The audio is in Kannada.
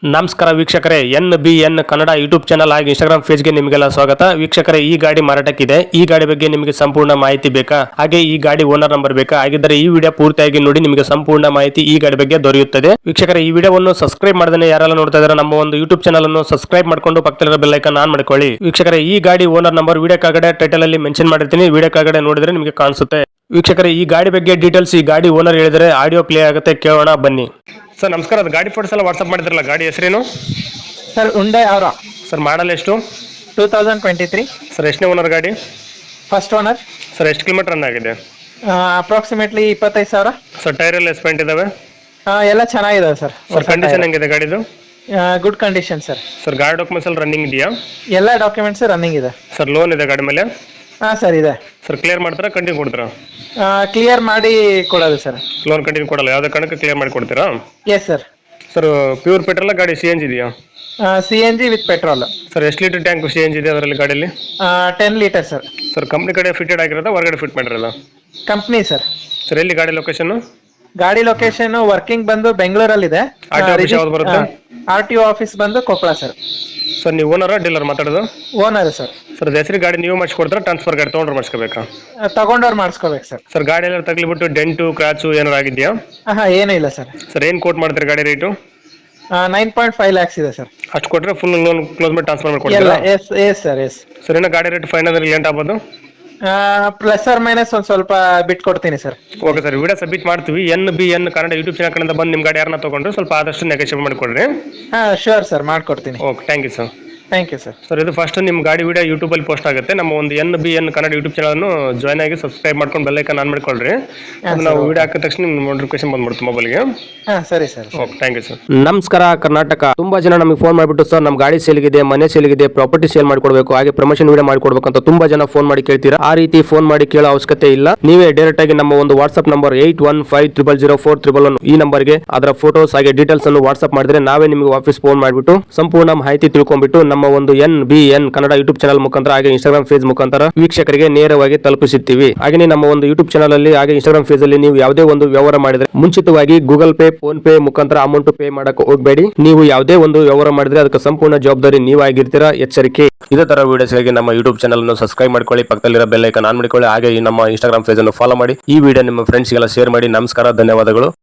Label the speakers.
Speaker 1: ನಮಸ್ಕಾರ ವೀಕ್ಷಕರೇ, NBN ಕನ್ನಡ ಯೂಟ್ಯೂಬ್ ಚಾನಲ್ ಹಾಗೂ ಇನ್ಸ್ಟಾಗ್ರಾಮ್ ಪೇಜ್ಗೆ ನಿಮಗೆಲ್ಲ ಸ್ವಾಗತ. ವೀಕ್ಷಕರೇ, ಈ ಗಾಡಿ ಮಾರಾಟಕ್ಕಿದೆ. ಈ ಗಾಡಿ ಬಗ್ಗೆ ನಿಮಗೆ ಸಂಪೂರ್ಣ ಮಾಹಿತಿ ಬೇಕಾ? ಹಾಗೆ ಈ ಗಾಡಿ ಓನರ್ ನಂಬರ್ ಬೇಕಾ? ಹಾಗಿದ್ದರೆ ಈ ವಿಡಿಯೋ ಪೂರ್ತಿಯಾಗಿ ನೋಡಿ, ನಿಮಗೆ ಸಂಪೂರ್ಣ ಮಾಹಿತಿ ಈ ಗಾಡಿ ಬಗ್ಗೆ ದೊರೆಯುತ್ತದೆ. ವೀಕ್ಷಕರೇ, ಈ ವಿಡಿಯೋವನ್ನು ಸಬ್ಸ್ಕ್ರೈಬ್ ಮಾಡದೇ ಯಾರೆಲ್ಲ ನೋಡ್ತಾ ಇದ್ದಾರೆ ನಮ್ಮ ಒಂದು ಯೂಟ್ಯೂಬ್ ಚಾನಲ್ ಅನ್ನು ಸಬ್ಸ್ಕ್ರೈಬ್ ಮಾಡ್ಕೊಂಡು ಪಕ್ಕದಲ್ಲಿರೋ ಬೆಲ್ ಐಕಾನ್ ಆನ್ ಮಾಡ್ಕೊಳ್ಳಿ. ವೀಕ್ಷಕರೇ, ಈ ಗಾಡಿ ಓನರ್ ನಂಬರ್ ವಿಡಿಯೋ ಕೆಳಗಡೆ ಟೈಟಲ್ ಅಲ್ಲಿ ಮೆನ್ಷನ್ ಮಾಡಿರ್ತೀನಿ, ವಿಡಿಯೋ ಕೆಳಗಡೆ ನೋಡಿದ್ರೆ ನಿಮಗೆ ಕಾಣಿಸುತ್ತೆ. ವೀಕ್ಷಕರೇ, ಈ ಗಾಡಿ ಬಗ್ಗೆ ಡೀಟೇಲ್ಸ್ ಈ ಗಾಡಿ ಓನರ್ ಹೇಳಿದರೆ ಆಡಿಯೋ ಪ್ಲೇ ಆಗುತ್ತೆ, ಕೇಳೋಣ ಬನ್ನಿ. ಸರ್ ನಮಸ್ಕಾರ, ಅದು ಗಾಡಿ ಫೋಟೋಸ್ ಎಲ್ಲ ವಾಟ್ಸ್ಆಪ್ ಮಾಡಿದ್ರಲ್ಲ, ಗಾಡಿ ಹೆಸರೇನು?
Speaker 2: ಸರ್ ಹುಂಡೈ ಅವರ
Speaker 1: ಸರ್ ಮಾಡಲ್ ಎಷ್ಟು?
Speaker 2: 2023.
Speaker 1: ಸರ್ ಎಷ್ಟನೇ ಓನರ್ ಗಾಡಿ?
Speaker 2: First owner.
Speaker 1: ಸರ್ ಎಷ್ಟು ಕಿಲೋಮೀಟರ್ ರನ್ ಆಗಿದೆ?
Speaker 2: ಅಪ್ರಾಕ್ಸಿಮೇಟ್ಲಿ 25,000.
Speaker 1: ಸರ್ ಟೈರ್ ಎಲ್ಲ ಎಸ್ಪೆಂಟ್ ಇದಾವೆ?
Speaker 2: ಎಲ್ಲ ಚೆನ್ನಾಗಿದೆ ಸರ್.
Speaker 1: ಸರ್ ಕಂಡೀಷನ್ ಹೆಂಗಿದೆ ಗಾಡಿದು?
Speaker 2: Good condition sir.
Speaker 1: ಸರ್ ಗಾಡಿ ಡಾಕ್ಯುಮೆಂಟ್ಸ್ ಎಲ್ಲ ರನ್ನಿಂಗ್ ಇದೆಯಾ?
Speaker 2: ಎಲ್ಲ ಡಾಕ್ಯುಮೆಂಟ್ಸ್ ರನ್ನಿಂಗ್ ಇದೆ.
Speaker 1: ಸರ್ ಲೋನ್ ಇದೆ ಗಾಡಿ ಮೇಲೆ?
Speaker 2: ಸರ್ ಇದೆ.
Speaker 1: ಸರ್ ಕ್ಲಿಯರ್ ಮಾಡ್ತಾರಾ, ಕಂಟಿನ್ಯೂ ಕೊಡ್ತೀರಾ?
Speaker 2: ಕ್ಲಿಯರ್ ಮಾಡಿ ಕೊಡೋದು ಸರ್.
Speaker 1: ಲೋನ್ ಕಂಟಿನ್ಯೂ ಕೊಡಲ್ಲ, ಯಾವುದೇ ಕಾರಣಕ್ಕೆ ಕ್ಲಿಯರ್ ಮಾಡಿ ಕೊಡ್ತೀರಾ?
Speaker 2: Yes sir.
Speaker 1: Sir pure petrol ಗಾಡಿ CNG ಇದೆಯಾ?
Speaker 2: CNG with petrol.
Speaker 1: ಸರ್ ಎಷ್ಟು ಲೀಟರ್ ಟ್ಯಾಂಕ್ CNG ಇದೆ ಅದರಲ್ಲಿ ಗಾಡಿಯಲ್ಲಿ?
Speaker 2: 10 ಲೀಟರ್ ಸರ್.
Speaker 1: ಸರ್ ಕಂಪ್ನಿ ಕಡೆ ಫಿಟೆಡ್ ಆಗಿರೋದಾ, ಹೊರಗಡೆ ಫಿಟ್ ಮಾಡಿರೋದಾ?
Speaker 2: Company sir.
Speaker 1: ಸರ್ ಎಲ್ಲಿ ಗಾಡಿ ಲೊಕೇಶನ್?
Speaker 2: ಗಾಡಿ ಲೊಕೇಶನ್ ವರ್ಕಿಂಗ್ ಬಂದು ಬೆಂಗಳೂರಲ್ಲಿದೆ.
Speaker 1: RTO ಆಫೀಸ್ ಯಾವ್ದು ಬರುತ್ತೆ?
Speaker 2: RTO ಆಫೀಸ್ ಬಂದು ಕೊಪ್ಪಳ ಸರ್.
Speaker 1: ಸರ್ ನೀವು ಓನರಾ ಡೀಲರ್ ಮಾತಾಡೋದು?
Speaker 2: Owner sir.
Speaker 1: ಸರ್ ಹೆಸರು ಗಾಡಿ ನೀವು ಮಾಡಿಸ್ಕೊಡ್ತಾರಾ, ಟ್ರಾನ್ಸ್ಫರ್ ಗಾಡಿ ತೊಗೊಂಡ್ರೆ ಮಾಡಿಸ್ಕೋಬೇಕಾ?
Speaker 2: ತಗೊಂಡವ್ರು ಮಾಡಿಸ್ಕೋಬೇಕು ಸರ್.
Speaker 1: ಸರ್ ಗಾಡಿ ಎಲ್ಲ ತಗ್ಲಿಬಿಟ್ಟು ಡೆಂಟು ಕ್ರಾಚು ಏನಾರು ಆಗಿದೆಯಾ?
Speaker 2: ಏನೂ ಇಲ್ಲ ಸರ್.
Speaker 1: ಸರ್ ಏನು ಕೋಟ್ ಮಾಡ್ತೀರಿ ಗಾಡಿ ರೇಟು?
Speaker 2: 9.5 lakhs ಇದೆ ಸರ್.
Speaker 1: ಅಷ್ಟು ಕೊಟ್ಟರೆ ಫುಲ್ ಲೋನ್ ಕ್ಲೋಸ್ ಮಾಡಿ ಟ್ರಾನ್ಸ್ಫರ್ ಮಾಡ್ಕೊಡ್ತೀರಾ?
Speaker 2: Yes sir. ಎಸ್
Speaker 1: ಸರ್ ಏನೋ ಗಾಡಿ ರೇಟ್ ಫೈನಲ್ ಲೇಟ್ ಆಗ್ಬೋದು?
Speaker 2: ಪ್ಲಸ್ ಆರ್ ಮೈನಸ್ ಒಂದು ಸ್ವಲ್ಪ ಬಿಟ್ಕೊಡ್ತೀನಿ sir.
Speaker 1: Okay sir, video submit ಮಾಡ್ತೀವಿ. NBN ಕನ್ನಡ ಯೂಟ್ಯೂಬ್ ಚಾನಲ್ ಕಡೆಯಿಂದ ಬಂದು ನಿಮ್ಮ ಗಾಡಿ ಯಾರನ್ನ ತೊಗೊಂಡ್ರೆ ಸ್ವಲ್ಪ ಆದಷ್ಟು ನೆಗೋಷಿಯೇಟ್ ಮಾಡಿಕೊಡ್ರಿ.
Speaker 2: ಶೋರ್ ಸರ್, ಮಾಡ್ಕೊಡ್ತೀನಿ.
Speaker 1: Okay, thank you sir.
Speaker 2: Thank you sir.
Speaker 1: Sir ಇದು ಫಸ್ಟ್ ನಿಮ್ಮ ಗಾಡಿ ವಿಡಿಯೋ ಯೂಟ್ಯೂಬಲ್ಲಿ ಪೋಸ್ಟ್ ಆಗುತ್ತೆ. ನಮ್ಮ ಒಂದು NBN ಕನ್ನಡ ಯೂಟ್ಯೂಬ್ ಚಾನಲ್ನು ಜಾಯ್ನ್ ಆಗಿ ಸಬ್ಸ್ಕ್ರೈಬ್ ಮಾಡ್ಕೊಂಡು ಬೆಲ್ ಐಕಾನ್ ಆನ್ ಮಾಡ್ಕೊಳ್ರಿ. ನಾವು ವಿಡಿಯೋ ಹಾಕಿದ ತಕ್ಷಣ ನಿಮ್ಮ ನೋಟಿಫಿಕೇಶನ್ ಬಂದ್ಬಿಡುತ್ತೆ ಮೊಬೈಲ್ಗೆ.
Speaker 2: ಸರಿ sir.
Speaker 1: Okay, thank you sir.
Speaker 3: ನಮಸ್ಕಾರ ಕರ್ನಾಟಕ. ತುಂಬಾ ಜನ ನಮಗೆ ಫೋನ್ ಮಾಡಿಬಿಟ್ಟು ಸರ್ ನಮ್ಮ ಗಾಡಿ ಸೇಲ್ಗಿದೆ, ಮನೆ ಸೇಲ್ಗಿದೆ, ಪ್ರಾಪರ್ಟಿ ಸೇಲ್ ಮಾಡ್ಕೊಡ್ಬೇಕು, ಹಾಗೆ ಪ್ರಮೋಷನ್ ವಿಡಿಯೋ ಮಾಡ್ಕೊಡ್ಬೇಕು ಅಂತ ತುಂಬಾ ಜನ ಫೋನ್ ಮಾಡಿ ಕೇಳ್ತೀರಾ. ಆ ರೀತಿ ಫೋನ್ ಮಾಡಿ ಕೇಳೋ ಅವಶ್ಯಕತೆ ಇಲ್ಲ. ನೀವೇ ಡೈರೆಕ್ಟ್ ಆಗಿ ನಮ್ಮ ಒಂದು ವಾಟ್ಸ್ಆಪ್ ನಂಬರ್ 81500411 ಈ ನಂಬರ್ಗೆ ಅದರ ಫೋಟೋಸ್ ಹಾಗೆ ಡೀಟೇಲ್ಸ್ ಅನ್ನು ವಾಟ್ಸ್ಆಪ್ ಮಾಡಿದ್ರೆ ನಾವೇ ನಿಮಗೆ ವಾಪಸ್ ಫೋನ್ ಮಾಡಿಬಿಟ್ಟು ಸಂಪೂರ್ಣ ಮಾಹಿತಿ ತಿಳ್ಕೊಂಡ್ಬಿಟ್ಟು ನಮ್ಮ ಒಂದು NBN ಕನ್ನಡ ಯೂಟ್ಯೂಬ್ ಚಾನಲ್ ಮುಖಾಂತರ ಹಾಗೆ ಇನ್ಸ್ಟಾಗ್ರಾಮ್ ಪೇಜ್ ಮುಖಾಂತರ ವೀಕ್ಷಕರಿಗೆ ನೇರವಾಗಿ ತಲುಪಿಸುತ್ತೀವಿ. ಹಾಗೆ ನಮ್ಮ ಒಂದು ಯೂಟ್ಯೂಬ್ ಚಾನಲ್ ಅಲ್ಲಿ ಹಾಗೆ ಇನ್ಸ್ಟಾಗ್ರಾಮ್ ಪೇಜ್ ಅಲ್ಲಿ ನೀವು ಯಾವುದೇ ಒಂದು ವ್ಯವಹಾರ ಮಾಡಿದ್ರೆ ಮುಂಚಿತವಾಗಿ ಗೂಗಲ್ ಪೇ, ಫೋನ್ ಪೇ ಮುಖಾಂತರ ಅಮೌಂಟ್ ಪೇ ಮಾಡಕ್ಕೆ ಹೋಗಬೇಡಿ. ನೀವು ಯಾವುದೇ ಒಂದು ವ್ಯವಹಾರ ಮಾಡಿದ್ರೆ ಅದಕ್ಕೆ ಸಂಪೂರ್ಣ ಜವಾಬ್ದಾರಿ ನೀವಾಗಿರ್ತೀರಾ, ಎಚ್ಚರಿಕೆ. ಇದೇ ತರ ವಿಡಿಯೋಸ್ಗಾಗಿ ನಮ್ಮ ಯೂಟ್ಯೂಬ್ ಚಾನಲ್ ಅನ್ನು ಸಬ್ಸ್ಕ್ರೈಬ್ ಮಾಡ್ಕೊಳ್ಳಿ, ಪಕ್ಕದಲ್ಲಿರೋ ಬೆಲ್ ಐಕಾನ್ ಆನ್ ಮಾಡಿಕೊಳ್ಳಿ, ಹಾಗೆ ನಮ್ಮ ಇನ್ಸ್ಟಾಗ್ರಾಮ್ ಪೇಜ್ ಅನ್ನು ಫಾಲೋ ಮಾಡಿ. ಈ ವಿಡಿಯೋ ನಿಮ್ಮ ಫ್ರೆಂಡ್ಸ್ಗೆಲ್ಲ ಶೇರ್ ಮಾಡಿ. ನಮಸ್ಕಾರ, ಧನ್ಯವಾದಗಳು.